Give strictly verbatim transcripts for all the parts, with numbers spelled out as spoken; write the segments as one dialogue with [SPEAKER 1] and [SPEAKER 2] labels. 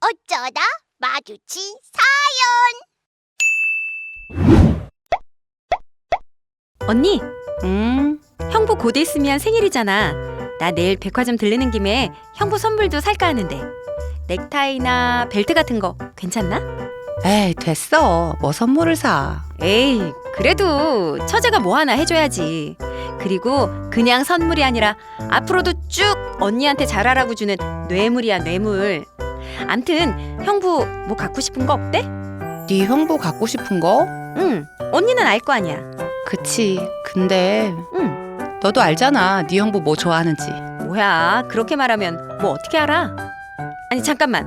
[SPEAKER 1] 어쩌다 마주친
[SPEAKER 2] 언니,
[SPEAKER 3] 음,
[SPEAKER 2] 형부 곧 있으면 생일이잖아. 나 내일 백화점 들르는 김에 형부 선물도 살까 하는데 넥타이나 벨트 같은 거 괜찮나?
[SPEAKER 3] 에이 됐어. 뭐 선물을 사.
[SPEAKER 2] 에이, 그래도 처제가 뭐 하나 해줘야지. 그리고 그냥 선물이 아니라 앞으로도 쭉 언니한테 잘하라고 주는 뇌물이야, 뇌물. 암튼 형부 뭐 갖고 싶은 거 없대?
[SPEAKER 3] 네 형부 갖고 싶은 거?
[SPEAKER 2] 응, 언니는 알 거 아니야.
[SPEAKER 3] 그치. 근데
[SPEAKER 2] 응,
[SPEAKER 3] 너도 알잖아. 네 형부 뭐 좋아하는지.
[SPEAKER 2] 뭐야, 그렇게 말하면 뭐 어떻게 알아? 아니 잠깐만,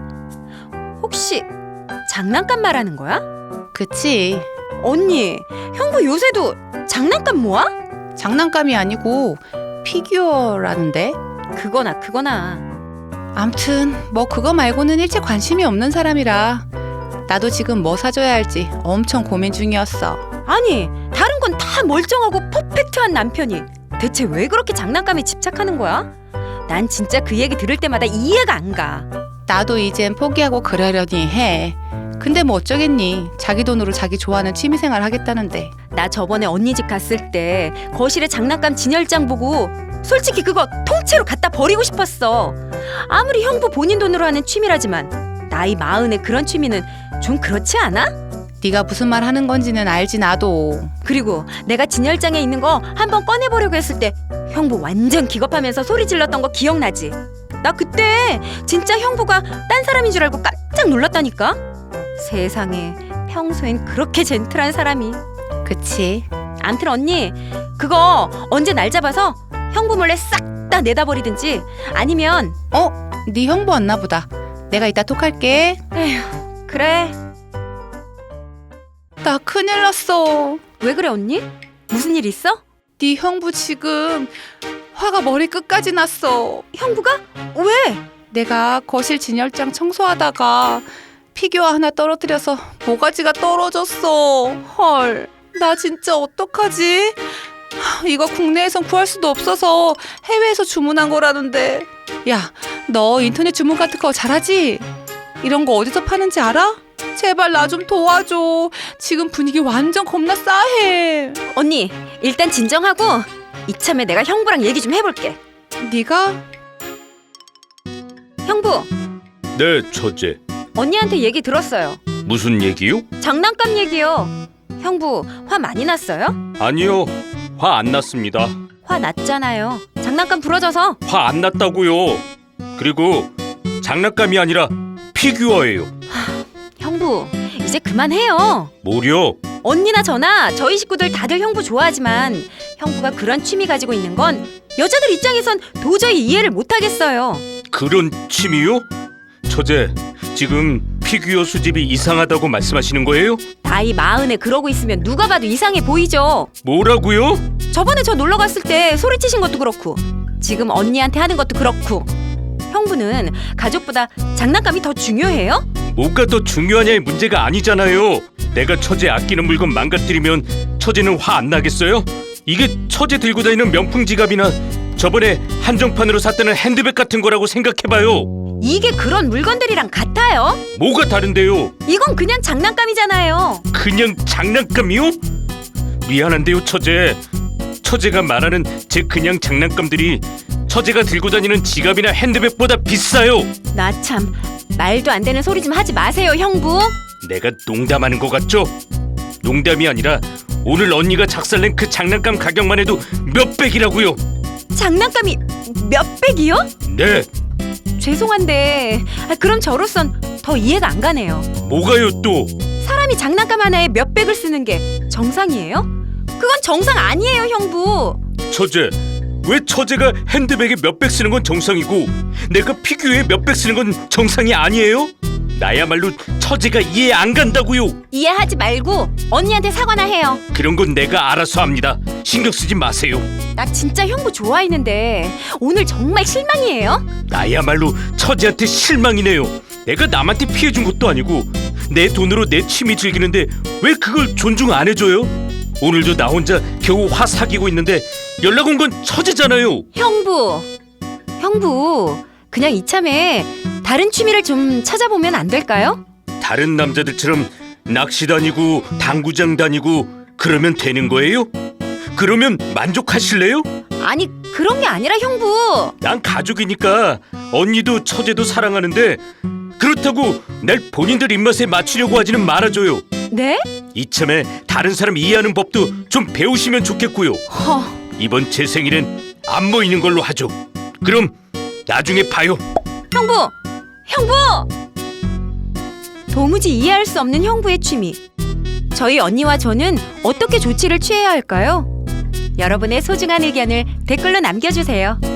[SPEAKER 2] 혹시 장난감 말하는 거야?
[SPEAKER 3] 그치.
[SPEAKER 2] 언니, 형부 요새도 장난감 모아?
[SPEAKER 3] 장난감이 아니고 피규어라는데.
[SPEAKER 2] 그거나 그거나.
[SPEAKER 3] 암튼 뭐 그거 말고는 일체 관심이 없는 사람이라 나도 지금 뭐 사줘야 할지 엄청 고민 중이었어.
[SPEAKER 2] 아니, 다른 건 다 멀쩡하고 퍼펙트한 남편이 대체 왜 그렇게 장난감에 집착하는 거야? 난 진짜 그 얘기 들을 때마다 이해가 안 가.
[SPEAKER 3] 나도 이젠 포기하고 그러려니 해. 근데 뭐 어쩌겠니. 자기 돈으로 자기 좋아하는 취미생활 하겠다는데.
[SPEAKER 2] 나 저번에 언니 집 갔을 때 거실에 장난감 진열장 보고 솔직히 그거 통째로 갖다 버리고 싶었어. 아무리 형부 본인 돈으로 하는 취미라지만 나이 마흔에 그런 취미는 좀 그렇지 않아?
[SPEAKER 3] 네가 무슨 말 하는 건지는 알지 나도.
[SPEAKER 2] 그리고 내가 진열장에 있는 거 한번 꺼내보려고 했을 때 형부 완전 기겁하면서 소리 질렀던 거 기억나지? 나 그때 진짜 형부가 딴 사람인 줄 알고 깜짝 놀랐다니까? 세상에, 평소엔 그렇게 젠틀한 사람이.
[SPEAKER 3] 그치.
[SPEAKER 2] 암튼 언니, 그거 언제 날 잡아서 형부 몰래 싹 다 내다버리든지 아니면
[SPEAKER 3] 어? 네 형부 왔나 보다. 내가 이따 톡할게.
[SPEAKER 2] 에휴, 그래.
[SPEAKER 3] 나 큰일 났어.
[SPEAKER 2] 왜 그래 언니? 무슨 일 있어?
[SPEAKER 3] 네 형부 지금 화가 머리 끝까지 났어.
[SPEAKER 2] 형부가? 왜?
[SPEAKER 3] 내가 거실 진열장 청소하다가 피규어 하나 떨어뜨려서 모가지가 떨어졌어. 헐, 나 진짜 어떡하지? 하, 이거 국내에선 구할 수도 없어서 해외에서 주문한 거라는데. 야, 너 인터넷 주문 같은 거 잘하지? 이런 거 어디서 파는지 알아? 제발 나 좀 도와줘. 지금 분위기 완전 겁나 싸해.
[SPEAKER 2] 언니, 일단 진정하고 이참에 내가 형부랑 얘기 좀 해볼게.
[SPEAKER 3] 네가?
[SPEAKER 2] 형부,
[SPEAKER 4] 네, 처제.
[SPEAKER 2] 언니한테 얘기 들었어요.
[SPEAKER 4] 무슨 얘기요?
[SPEAKER 2] 장난감 얘기요. 형부 화 많이 났어요?
[SPEAKER 4] 아니요, 화 안 났습니다.
[SPEAKER 2] 화 났잖아요. 장난감 부러져서.
[SPEAKER 4] 화 안 났다고요. 그리고 장난감이 아니라 피규어예요.
[SPEAKER 2] 형부, 이제 그만해요.
[SPEAKER 4] 뭐려?
[SPEAKER 2] 언니나 저나 저희 식구들 다들 형부 좋아하지만 형부가 그런 취미 가지고 있는 건 여자들 입장에선 도저히 이해를 못하겠어요.
[SPEAKER 4] 그런 취미요? 처제, 지금 피규어 수집이 이상하다고 말씀하시는 거예요?
[SPEAKER 2] 나이 마흔에 그러고 있으면 누가 봐도 이상해 보이죠.
[SPEAKER 4] 뭐라고요?
[SPEAKER 2] 저번에 저 놀러 갔을 때 소리치신 것도 그렇고 지금 언니한테 하는 것도 그렇고. 형부는 가족보다 장난감이 더 중요해요?
[SPEAKER 4] 뭐가 더 중요하냐의 문제가 아니잖아요. 내가 처제 아끼는 물건 망가뜨리면 처제는 화 안 나겠어요? 이게 처제 들고 다니는 명품 지갑이나 저번에 한정판으로 샀다는 핸드백 같은 거라고 생각해봐요.
[SPEAKER 2] 이게 그런 물건들이랑 같아요?
[SPEAKER 4] 뭐가 다른데요?
[SPEAKER 2] 이건 그냥 장난감이잖아요.
[SPEAKER 4] 그냥 장난감이요? 미안한데요, 처제. 처제가 말하는 제 그냥 장난감들이 처제가 들고 다니는 지갑이나 핸드백보다 비싸요.
[SPEAKER 2] 나 참, 말도 안 되는 소리 좀 하지 마세요, 형부.
[SPEAKER 4] 내가 농담하는 거 같죠? 농담이 아니라 오늘 언니가 작살낸 그 장난감 가격만 해도 몇백이라고요.
[SPEAKER 2] 장난감이 몇백이요?
[SPEAKER 4] 네,
[SPEAKER 2] 죄송한데 아, 그럼 저로선 더 이해가 안 가네요.
[SPEAKER 4] 뭐가요 또?
[SPEAKER 2] 사람이 장난감 하나에 몇백을 쓰는 게 정상이에요? 그건 정상 아니에요, 형부.
[SPEAKER 4] 처제, 왜 처제가 핸드백에 몇백 쓰는 건 정상이고 내가 피규어에 몇백 쓰는 건 정상이 아니에요? 나야말로 처제가 이해 안 간다고요.
[SPEAKER 2] 이해하지 말고 언니한테 사과나 해요.
[SPEAKER 4] 그런 건 내가 알아서 합니다. 신경 쓰지 마세요.
[SPEAKER 2] 나 진짜 형부 좋아했는데 오늘 정말 실망이에요.
[SPEAKER 4] 나야말로 처제한테 실망이네요. 내가 남한테 피해준 것도 아니고 내 돈으로 내 취미 즐기는데 왜 그걸 존중 안 해줘요? 오늘도 나 혼자 겨우 화 사귀고 있는데 연락 온 건 처제잖아요.
[SPEAKER 2] 형부, 형부, 그냥 이참에 다른 취미를 좀 찾아보면 안 될까요?
[SPEAKER 4] 다른 남자들처럼 낚시 다니고 당구장 다니고 그러면 되는 거예요? 그러면 만족하실래요?
[SPEAKER 2] 아니, 그런 게 아니라 형부.
[SPEAKER 4] 난 가족이니까 언니도 처제도 사랑하는데 그렇다고 날 본인들 입맛에 맞추려고 하지는 말아줘요.
[SPEAKER 2] 네?
[SPEAKER 4] 이참에 다른 사람 이해하는 법도 좀 배우시면 좋겠고요.
[SPEAKER 2] 허,
[SPEAKER 4] 이번 제 생일엔 안 모이는 걸로 하죠. 그럼 나중에 봐요.
[SPEAKER 2] 형부! 형부! 도무지 이해할 수 없는 형부의 취미. 저희 언니와 저는 어떻게 조치를 취해야 할까요? 여러분의 소중한 의견을 댓글로 남겨주세요.